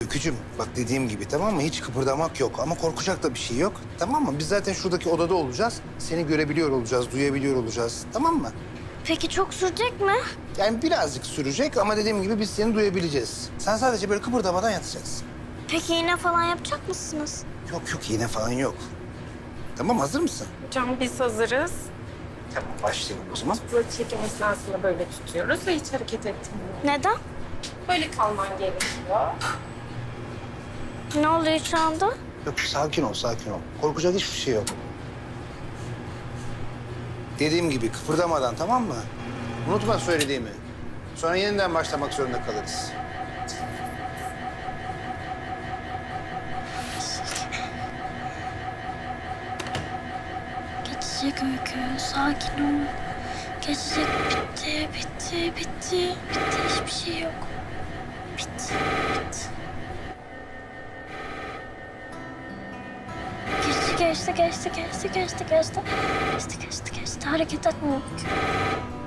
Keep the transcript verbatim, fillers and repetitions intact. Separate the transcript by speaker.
Speaker 1: Öykücüm bak dediğim gibi tamam mı? Hiç kıpırdamak yok ama korkacak da bir şey yok. Tamam mı? Biz zaten şuradaki odada olacağız. Seni görebiliyor olacağız, duyabiliyor olacağız. Tamam mı?
Speaker 2: Peki çok sürecek mi?
Speaker 1: Yani birazcık sürecek ama dediğim gibi biz seni duyabileceğiz. Sen sadece böyle kıpırdamadan yatacaksın.
Speaker 2: Peki iğne falan yapacak mısınız?
Speaker 1: Yok yok iğne falan yok. Tamam hazır mısın?
Speaker 3: Hocam biz hazırız.
Speaker 1: Tamam başlayalım o zaman.
Speaker 3: Böyle çekim esnasında böyle tutuyoruz ve hiç hareket etmiyoruz.
Speaker 2: Neden?
Speaker 3: Böyle kalman gerekiyor.
Speaker 2: Ne oluyor şu anda?
Speaker 1: Yok sakin ol sakin ol. Korkacak hiçbir şey yok. Dediğim gibi kıpırdamadan tamam mı? Unutma söylediğimi. Sonra yeniden başlamak zorunda kalırız.
Speaker 2: Geçecek Öykü, sakin ol. Geçecek, bitti, bitti, bitti. Bitti, hiçbir şey yok. Bitti, bitti. Geçti, geçti, geçti, geçti, geçti, geçti. Geçti, geçti, geçti. Hareket etme Öykü.